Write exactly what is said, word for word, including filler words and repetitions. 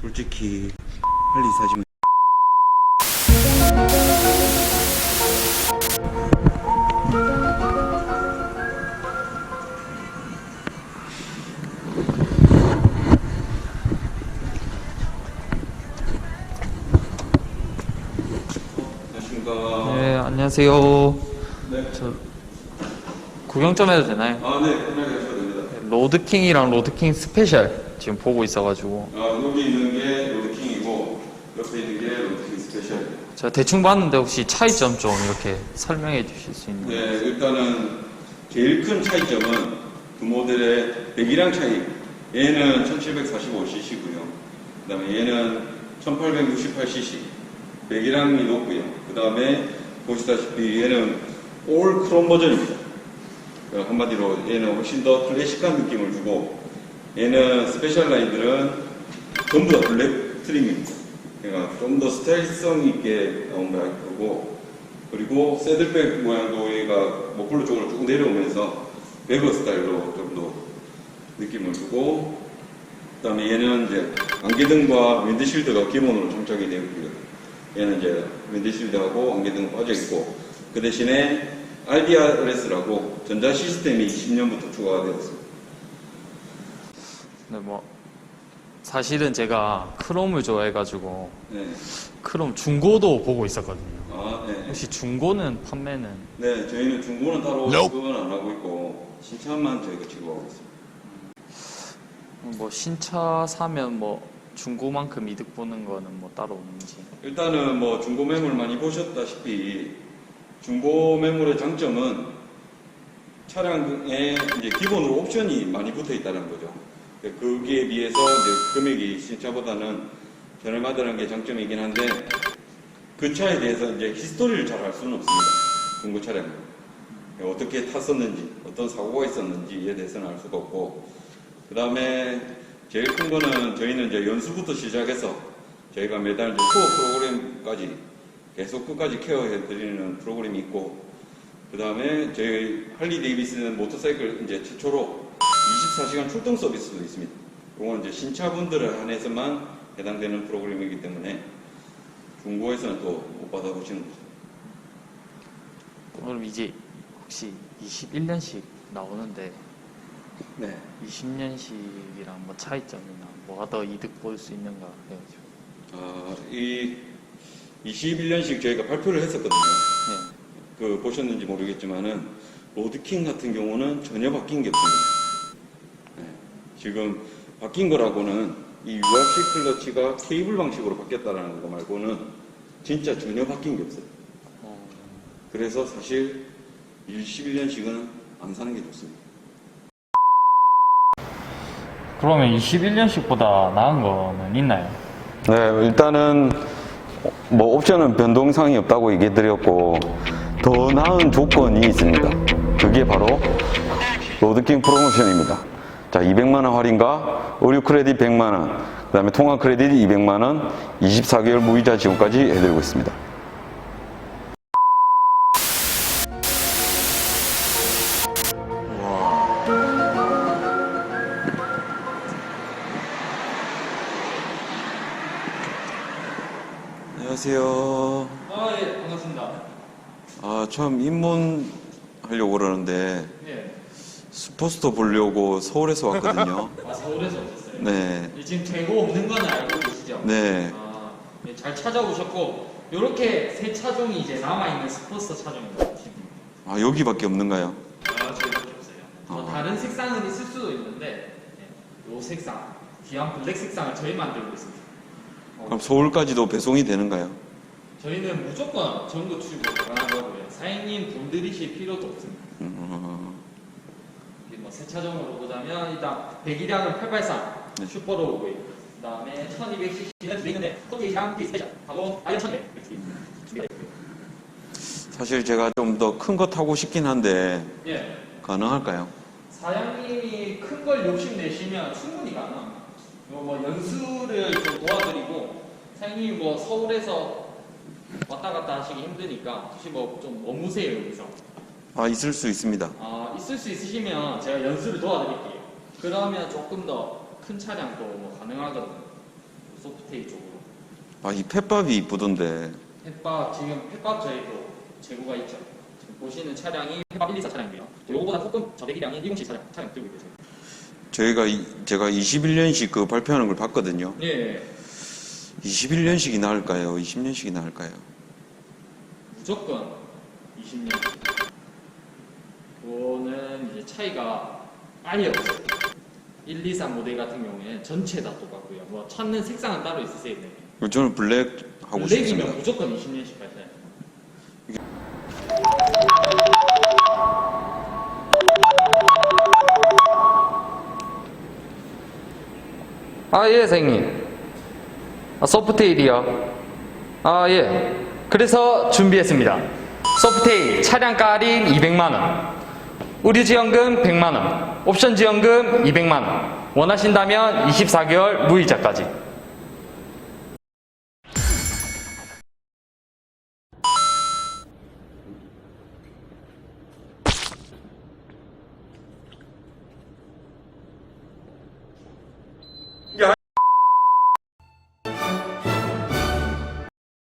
솔직히 빨리 사시면 안녕하십니까. 네, 안녕하세요. 네. 저 구경 좀 해도 되나요? 아, 네, 편하게 하셔도 됩니다. 로드킹이랑 로드킹 스페셜 지금 보고 있어가지고 아, 여기 있는 게 로드킹이고 옆에 있는 게 로드킹 스페셜. 제가 대충 봤는데 혹시 차이점 좀 이렇게 설명해 주실 수 있나요? 네, 일단은 제일 큰 차이점은 두 모델의 배기량 차이. 얘는 천칠백사십오 씨씨고요. 그 다음에 얘는 천팔백육십팔 씨씨. 배기량이 높고요. 그 다음에 보시다시피 얘는 올 크롬 버전입니다. 한마디로 얘는 훨씬 더 클래식한 느낌을 주고, 얘는 스페셜 라인들은 전부 다 블랙 트림입니다. 그러니까 좀 더 스타일성 있게 나온 거고, 그리고 새들백 모양도 얘가 머플러 쪽으로 쭉 내려오면서 베거 스타일로 좀 더 느낌을 주고, 그 다음에 얘는 이제 안개등과 윈드실드가 기본으로 장착이 되어 있고요. 얘는 이제 윈드실드하고 안개등 빠져 있고, 그 대신에 알디알에스라고 전자 시스템이 이십 년부터 추가가 되었습니다. 네, 뭐 사실은 제가 크롬을 좋아해가지고 네. 크롬 중고도 보고 있었거든요. 아, 네. 혹시 중고는 판매는? 네, 저희는 중고는 따로 지급은 안 하고 있고 신차만 저희가 지급하고 있습니다. 뭐 신차 사면 뭐 중고만큼 이득 보는 거는 뭐 따로 없는지. 일단은 뭐 중고 매물 많이 보셨다시피 중고 매물의 장점은 차량에 이제 기본으로 옵션이 많이 붙어 있다는 거죠. 거기에 비해서 이제 금액이 신차보다는 저렴하다는 게 장점이긴 한데, 그 차에 대해서 이제 히스토리를 잘 알 수는 없습니다. 중고 차량은 어떻게 탔었는지, 어떤 사고가 있었는지에 대해서는 알 수가 없고, 그 다음에 제일 큰 거는 저희는 이제 연수부터 시작해서 저희가 매달 이제 투어 프로그램까지 계속 끝까지 케어해 드리는 프로그램이 있고, 그 다음에 저희 할리 데이비슨 모터사이클 이제 최초로 이십사 시간 출동 서비스도 있습니다. 이건 이제 신차분들을 한해서만 해당되는 프로그램이기 때문에 중고에서는 또 못 받아보시는 거죠. 그럼 이제 혹시 이십일 년씩 나오는데 네. 이십 년씩이랑 뭐 차이점이나 뭐가 더 이득 볼 수 있는가 해가지고. 아, 이 이십일 년씩 저희가 발표를 했었거든요. 네. 그 보셨는지 모르겠지만은 로드킹 같은 경우는 전혀 바뀐 게 없습니다. 네. 지금 바뀐 거라고는 이 유알씨 클러치가 케이블 방식으로 바뀌었다는 거 말고는 진짜 전혀 바뀐 게 없어요. 어, 그래서 사실 이십일 년씩은 안 사는 게 좋습니다. 그러면 이십일 년씩보다 나은 거는 있나요? 네, 일단은 뭐 옵션은 변동사항이 없다고 얘기 드렸고, 더 나은 조건이 있습니다. 그게 바로 로드킹 프로모션입니다. 자, 이백만 원 할인과 의류 크레딧 백만 원, 그 다음에 통화 크레딧 이백만 원, 이십사 개월 무이자 지원까지 해드리고 있습니다. 안녕하세요. 아, 예, 반갑습니다. 아, 처음 입문하려고 그러는데 예. 슈퍼스토어 보려고 서울에서 왔거든요. 아, 서울에서 오셨어요? 네. 지금 재고 없는 거는 알고 계시죠? 네. 아, 예, 잘 찾아오셨고, 요렇게 세 차종이 이제 남아있는 스포츠 차종입니다. 아, 여기밖에 없는가요? 아, 저희밖에 없어요. 뭐 아. 다른 색상은 있을 수도 있는데, 예, 요 색상, 귀한 블랙 색상을 저희 만들고 있습니다. 어, 그럼 서울까지도 배송이 되는가요? 저희는 무조건 전국 출고 가능한 거고요. 사장님 돈 들이실 필요도 없습니다. 음, 뭐 세 차종으로 보자면 일단 배기량은 팔백팔십삼 네. 슈퍼로 오고 있고, 그 다음에 천이백 씨씨는 있는데 토끼향 스페셜 하고 아이언 천이백 준비되어 있고요. 사실 제가 좀 더 큰 거 타고 싶긴 한데 예, 가능할까요? 사장님이 큰 걸 욕심 내시면 충분히 가능합니다. 요 뭐 연수를 좀 도와드리고, 사장님이 뭐 서울에서 왔다 갔다 하시기 힘드니까 혹시 뭐 좀 머무세요 여기서. 아, 있을 수 있습니다. 아, 있을 수 있으시면 제가 연수를 도와드릴게요. 그러면 조금 더 큰 차량도 뭐 가능하거든요. 소프트테일 쪽으로. 아, 이 펫밥이 이쁘던데. 펫밥 지금 펫밥 저희도 재고가 있죠. 지금 보시는 차량이 펫밥 일이사 차량이고요. 요거보다 조금 저배기량인 이공칠 차량 차량 들고 있어요. 저희가 이- 제가 이십일 년식 그 발표하는 걸 봤거든요. 예, 이십일 년식이 나을까요? 이십 년식이 나을까요? 무조건 이십 년. 그거는 이제 차이가 아예 없어요. 일, 이, 삼 모델 같은 경우에는 전체 다 똑같고요. 뭐 찾는 색상은 따로 있으세요. 네. 저는 블랙 하고 블랙이면 싶습니다. 무조건 이십 년씩 가셔야 돼요. 아, 예, 선생님. 아, 소프트테일이요. 아, 예. 그래서 준비했습니다. 소프트테일 차량 할인 이백만 원, 의류 지원금 백만 원, 옵션 지원금 이백만 원, 원하신다면 이십사 개월 무이자까지.